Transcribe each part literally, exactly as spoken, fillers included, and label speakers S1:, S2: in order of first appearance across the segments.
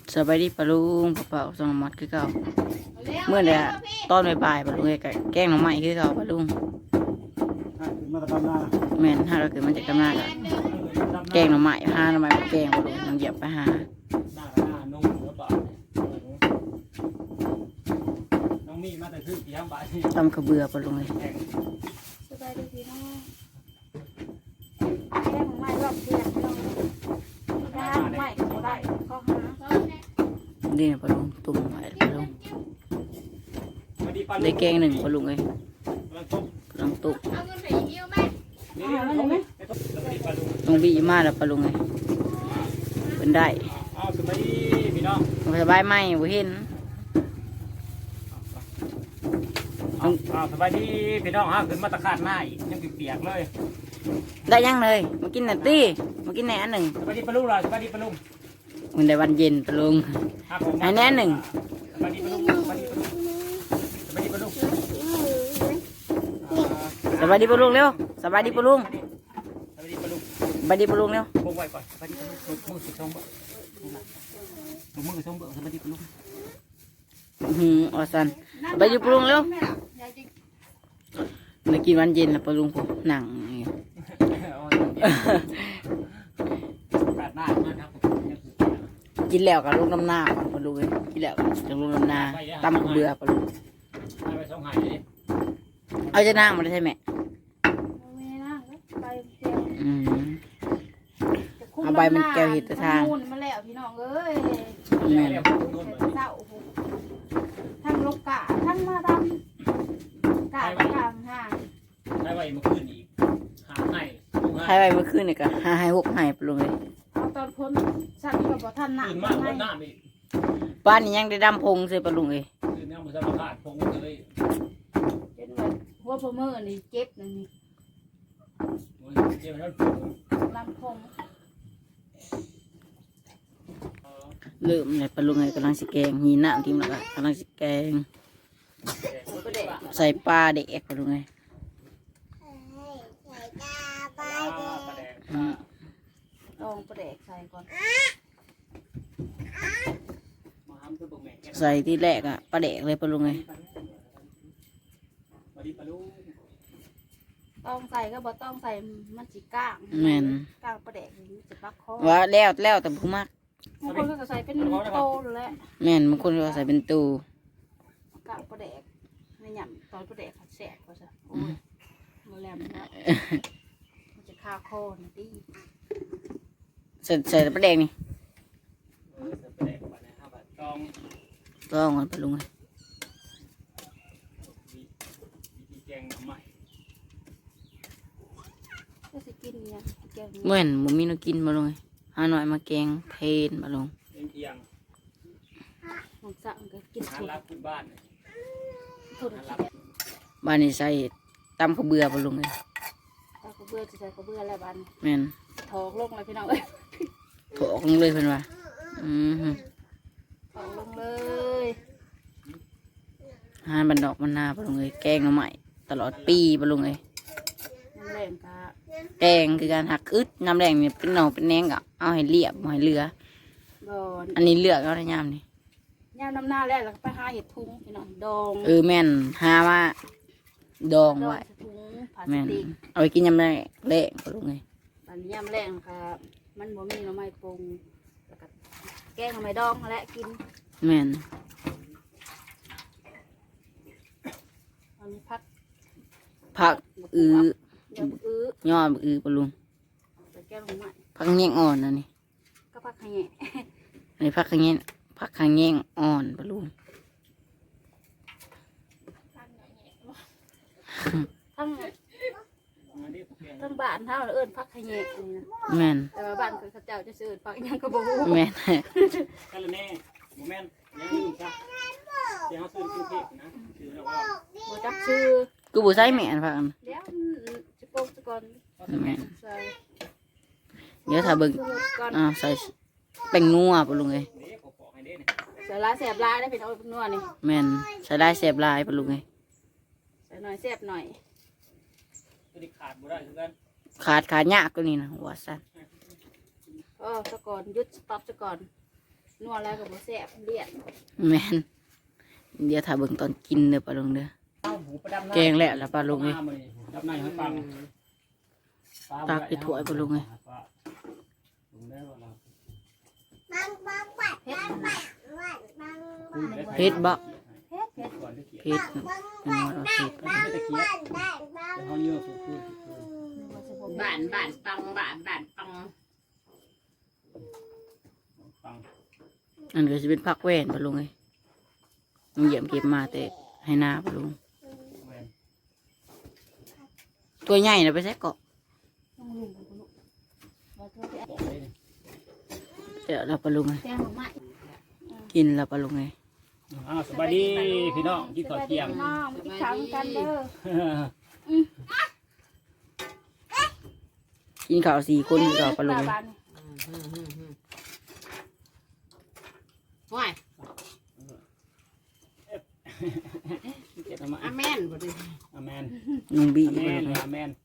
S1: สบายดีปะลุงปะเป่าสองมัดคือเก่าเมื่อเนี่ยตอนบ่ายๆปะลุงไอ้แกงหน่อไม้คือเก่าปะลุงแม่นถ้าเราเกิดมันจะกำลังแกงหน่อไม้ห้าหน่อไม้แกงปะลุงมันเหยียบไปหาตำกระเบือปะลุงเลย
S2: สบายดีพี่น้องแกงไม้รอบเดือนพี่น้องแกงไม้ก็ได้ข้อหา
S1: นี่ปะลุงตุ่มไว้ปะลุงได้แกงหนึ่งปะลุงเลยลองตุ่มต้องบีมาแล้วปะลุงเลยเป็นได้สบายไหมบ่เห็น
S3: สบายดีพี่น้องฮะขึ้นมาตะขาดหน้าอีกยังเปียกเลย
S1: ได้ยังเลยมากินหน่อยตี้มากินแหนหนึ่ง
S3: สบายดีปลุงเลยสบายดีปลุง
S1: มันได้วันเย็นปลุงไอ้แหนหนึ่ง
S3: สบายดีปลุงสบายดีปลุงสบายดีปลุง
S1: สบายดีปลุงเร็วสบายดีปลุง
S3: สบายดีปลุง
S1: สบายดีปลุงเร็ว
S3: พงไว้ก่อนสบายดีปลุงมือสิช่องเบิ่งมือช่องเบิ่งสบายดีปลุง
S1: หืมอสันสบายดีปลุงเร็วมากินวันเย็นแล้วปลุงผมหนังกินแล้วกับลูกน้ำหน้าปลุงเลยกินแล้วกับลูกน้ำหน้าตำกระเบือปลุงเอาจะนั่งมาได้ใช่ไหมเอาใบมันแก้วหิดตะทาง
S2: มาแล้วพี่น้องเอ้ยเศร้าทั้งลูกกะทั้งมาดำกะกลางห่าง
S3: ใช้ไว้เมื่อคืนอีกหาให้
S1: ให้ไว้เมื่อคืนนี่ก็หาให้หกให้ปลุงเลย
S2: เอาตอนพ้นสั่งกับบ่ท่านหนัก
S3: มากคนหน้ามี
S1: บ้านนี้ยังได้ดำพงเลยปลุงเลย
S3: คือเนี่ยมันจะมาขาดพงเลย
S2: เป็นแบบหัวพมือนี่เจ็บนี่
S3: เจ็บแล้ว
S2: ลำพง
S1: เริ่มเลยปลุงเลยกำลังสิแกงหีน้ำทีมละกำลังสิแกงใส่ปลาเด็กปลุงเลย
S2: ลองประเดกใส่ก่อน
S1: ใส่ที่แรกอ่ะปลาเด็กเลยปลุงเลย
S2: ต้องใส่ก็บ่ต้องใส่มันจีก้าง
S1: แม่น
S2: ก้างประเดกนี่จะปักคอ
S1: ว่าแล้วแล้วแต่ผู้มาก
S2: บางคนก็ใส่เป็นโตเลย
S1: แม่นบางคนก็ใส่เป็นตู
S2: ก้างประเดกในหยำตอนประเดกผัดแสบก็จะโอ้ยมาแล้วมันมันจะคาคอนะดิ
S1: ใส่ใส่ปลาแดงนี่ต้องมันปลุงเลย
S2: ก็จะกินเนี่ย
S1: เหมือนมุมีนกินมาลงหาหน่อยมาแกงเพนมาลง
S2: มันสั่งก็กินทุน
S3: บ้าน
S2: ทุน
S1: บ้านนี้ใส่ตำข้าวเบื่อมาลงเลย
S2: ตำข้าวเบื่อจะใส่ข้าวเบื่อแล้วบ้าน
S1: แม่น
S2: ถอกลงเลยพี่น้องเอ้ย
S1: ถอกลงเลยเพิ่นว่าอืม
S2: ถอกลงเลย
S1: หาบันดอกมันนาปลงเลยแกงหน่อไม้ตลอดปีปลงเลย
S2: น้ำแรงกะ
S1: แกงคือการหักอึดน้ำแรงเนี่ยเป็นหน่อเป็นแหนงก็เอาให้เรียบให้เรืออันนี้เลือกเอาในยามนี่
S2: ยามน้ำหน้าแล้วเราไปหาเห็ดทุ่งพี่น้องดอง
S1: เออแม่นหาว่าดองไว้แม่นเอาไปกินยำแรงแรงปลงเลย
S2: อันนี้ยำแรงค่ะมันบ่มีหน่อไม้ปรุงแล้วก็แกงหน่อไม้ดองและกิน
S1: แม่น
S2: อันนี้พัก
S1: ผักอือย่ออือปลุง
S2: แกงหน่อไม้
S1: ผักแยงอ่อนนะนี่
S2: ก็พักขยะ
S1: อันนี้ผักขยงผักขยงอ่อนปลุง
S2: ทั้งทั้งบ้านเท่าเอิญพักขยะนี่นะ
S1: แม่น
S2: แต่ว่าบ้านเขาเจ้าจะซื้อพักยังก็บ่ฮู้
S1: แม่น
S3: กันแน่โมเมนต์ยังนี่จ้ะเดี๋ยวเขาซื้อกินเค้กนะซื้อแล้วก็
S2: บ่จักชื่อ
S1: กูบ่ใส่แม่นผัก
S2: เดี๋ยวจะโปกซะก่อน
S1: แม่นเดี๋ยวถ้าเบิ่งอ่าใส่แป้งนัวปลุงเลย
S2: ใส่ลายแสบลายได้เป็นเอานัวนี่
S1: แม่นใส่ได้แสบลายปลุงเลย
S2: ใส่หน่อยแสบหน่อย
S3: ขาดบ่ได้เหมือนกัน
S1: ขาดขาดยากก็นี่นะหัวสั้น
S2: เออซะก่อนยุดสต็อปซะก่อนนัวแล้วก็บ่แซ่บเลี่ยน
S1: แม่นเดี๋ยวถ้าเบิ่งตอนกินเด้อปลาลุงเด้อ
S3: เอาหูประดับหน้า
S1: แกงแล้วล่ะปลาลุงเอ้ย
S3: ดับหน้าให้ฟัง
S1: ตักไปถ้วยปลาลุงเอ้ย
S3: ลุงได้บ่ล่ะ
S1: เผ็ดบ่
S2: เผ็ดเผ็ด
S3: ก่อนที่เกีย
S1: เผ็ดยังว่าเราเผ็ด
S3: ไม่ใช่ตะเกียบแต่เขาเยอะฟูฟู
S4: บ้านบ้านปังบ้านบ้านปัง
S3: ฟัง
S1: อันก็จะเป็นผักแว่นปลาลุงเอ้ยลุงเหยียบเก็บมาแต่ให้หน้าปลาลุง
S3: แวน
S1: ตัวใหญ่น่ะไปใส่เกาะ
S2: ต้องลุงกับลูกเราโทรไป
S3: บอกเลยนี่
S1: เดี๋ยวเราปลาลุงเอ้ย
S2: แกงหน่อไม้
S1: กินแล้วปลาลุงเอ้ย
S3: อ้าวสบายดีพี่น้องกินข้าวเที่ยง
S2: น้องกินข้าวกันเด้อ
S1: กินข้าวสี่คนเราปลาลุงเอ้ย
S4: ว้าย
S3: เจ็ดทำไม
S4: อาแมนบ่ดิ
S3: อาแมน
S1: ลุงบี
S3: อา
S1: ป
S3: แม
S1: ลาน ลุงเอ้ย
S3: อาแมน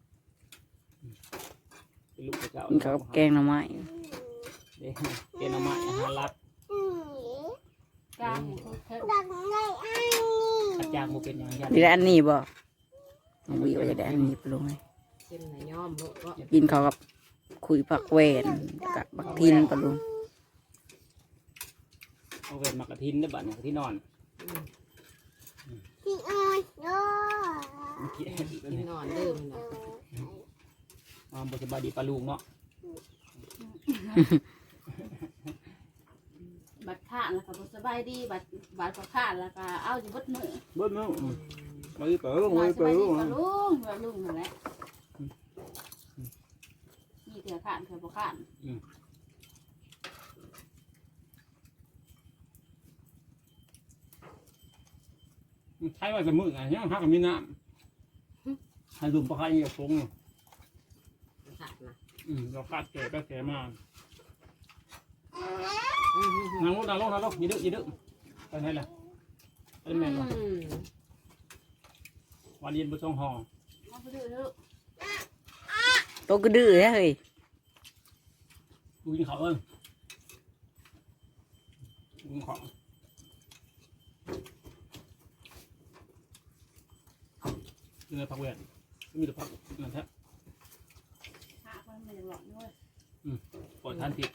S3: เป็นลูกเจ้า
S1: กินข้าวกับแกงหน่อไม้
S3: เด็กเกณฑ์มาอาหารรัก
S2: กลางเผ็ด
S3: อาจารย์โมเป็นอย่างยัน
S1: ดีได้อันนี้บ่ลุงบีว่าจะได้อันนี้ปลาลุงเอ้ย
S4: กินไหนย่อมบ่บ่
S1: กินข้าวกับคุยผักแว่นกับบักทินปลาลุง
S3: เอาเวทมากระทินได้บัดเนี่ยที่นอน
S4: กินนอนเดิมนะ
S3: มาบสบายดีปลาลูกเนาะ
S2: บัดข้านแล้วก็บ่สบายดีบัดบัดก็ข้านแล้วก็เอาอยู่บดมือ
S3: เบิ้ลเนาะมาดิเป๋อ
S2: ส
S3: มา
S2: บาย
S3: ดิเป๋อ
S2: ดีกับลุงกับลุงนั่นแหละมีเถื่อข้านเถื่อบ่ข้าน
S3: ใช้ว่าจะมือไงเนี่ยฮักมีน้ำให้ลุมปลาไข่กับฟง
S4: ขาดนะ
S3: อืมเราคาดแก่ก็แก่มา
S4: อืม
S3: นางลงนางลงนางลงยืดยืดไปไหนล่ะไปแม่ก่อนวันเย็นบุษงห่อ
S2: เอาไปดูเถอะ
S1: โตก็ดื้อแท้เฮ้ย
S3: กูกินข้าวเอิ้งกูกินข้าวกินแต่ผักแหวนไม่มีแต่ผักนั่นแท้
S2: หากมันไม่ได้หลอกด้วย
S3: ปล่อยทานผิด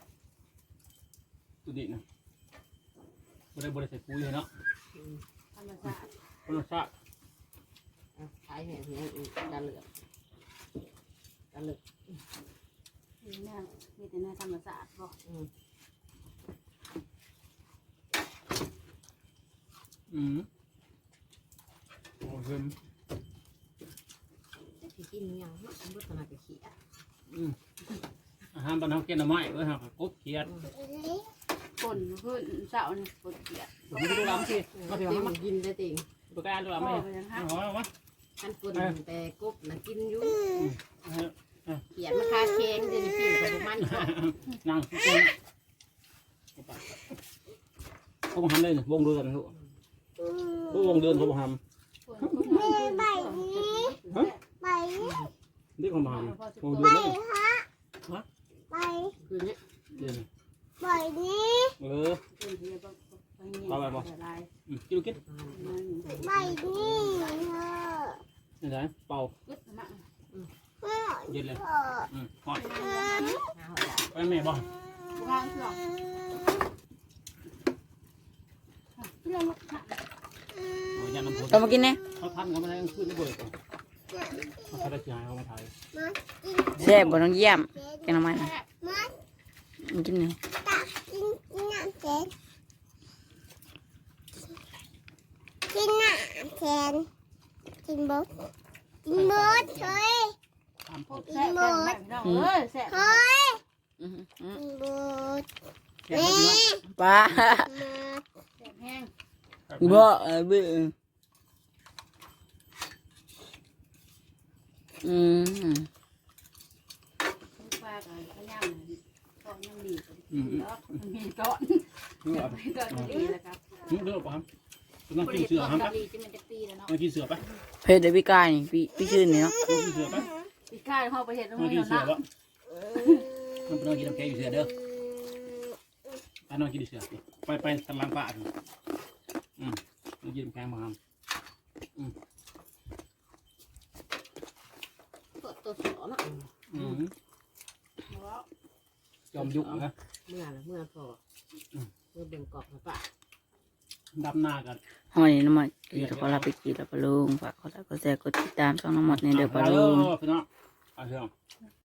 S3: ตุดินะบริบริใส่ปุ๋ยเลยเนาะ
S2: ธรรมชาติ
S3: คนละชาติ
S4: ขายแห่งนี้ตาเหลือกตาเหลือก
S2: มีแน่มีแต่ในธรรมชาติบ่
S3: อืมโอ้ย
S4: ที่กินยังมันบ่ขนาดไปขี้อ่ะ
S3: อืมอาหารบ้านเราเกินหน่อไม้เว้ยฮะกบเขียด
S2: คนขึ้นเสานี่คนเกลียด
S3: ผมไม่ดูลำสิมาถึง
S4: ติ
S3: มา
S4: งกินได้ติง
S3: ปากกาดูลำ
S2: พ่
S3: ไหม
S2: อไปยังฮัก
S3: เอาเอาวะ
S4: อันคนแต่กบน่ะกินอยู่
S3: เอา
S4: เขียนมาคาเค้งเดี๋ยวนี้กินกับมัน
S3: นั่งกินเขาบอกทำได้วงเดือนลูกวงเดือนเขาบอกท
S2: คนคนนั้นไปนี้ไป
S3: ำนี่เขามาทำวงเดือนนี่
S2: ไป
S4: คือเนี้ย
S3: เดือน
S2: ไปนี้
S3: เออ
S2: คนเดียวไปไปเนี่ยลาย
S3: อืมกินกิน
S2: มัน
S5: ไปนี่เถอะ
S3: นี่ไงเป่าก
S2: ึศมา
S3: เย็นเลยอืมหอด
S4: หาหัวใจ
S3: ไปแม่บอก
S2: วางเสือที่เราลูกค่ะ
S3: เอายาน้ำพุ
S1: เอามากินเนี่ย
S3: เขาทำเขาไม่ได้ขึ้นไม่เบิกเขาทำได้จ่ายเขามาถ่าย
S1: แซ่บบ่ต้องเยี่ยมแกงหน่อไม้น่ะ
S5: มัน
S1: มันกินเนี่ย
S5: ตักกินกินน้ำแข็งกินน้ำแข็งกินบดกินบดเฮ้ย
S3: ตาม
S2: พ
S3: พู
S2: ว
S3: ด
S2: กแซ่บแซ่บน้องเอ้ยแซ่บ
S5: เฮ้ย
S1: อื้อหือ
S5: กินบด
S3: แค่นี้นะ
S1: ปลา
S5: มา
S2: แซ่บแห้ง
S1: บ่เออบื้ออืม
S2: ปลากับข้าวย่างก้อนยังดีแล้วมีก้อน
S3: นี่เหรอ
S2: มีก้อนดีแล้วครับ
S3: นี่เลือกป่ะครับต้องกินเสือครับ
S2: ดีจะมันจะปีแล้วเนาะ
S3: ต้องกินเสือไป
S1: เผ็ดเดยวพี่กายนี่พี่พี่ชื่นนี่เนาะ
S3: ต้องกินเสือไป
S2: ปีก้าเข้าไปเห็ดตรง
S3: ต้อง
S2: นี้
S3: กินเสือ
S2: เนาะ
S3: วะมันต้องกินน้ำแข็งอยู่เสือเด้อไปนอนกินดิเสือไปไปทางหลังป่าดิอืมมายืนแข้งมาครับอืม
S4: ก็ตัวสอนะ
S3: อืมยอมยุกนะ
S4: เมื่อละเมื่อพอเมื่อเบิ่งกอกนะปะ
S3: ดับหน้ากัน
S1: หอยน้ำมันกีแล้วก็ลาไปกีแล้วปลาลุงฝากกดไลค์กดแชร์กดติดตามช่องน้ำมันในเด้อปลาลุง
S3: พี่น้องเอาเถอะ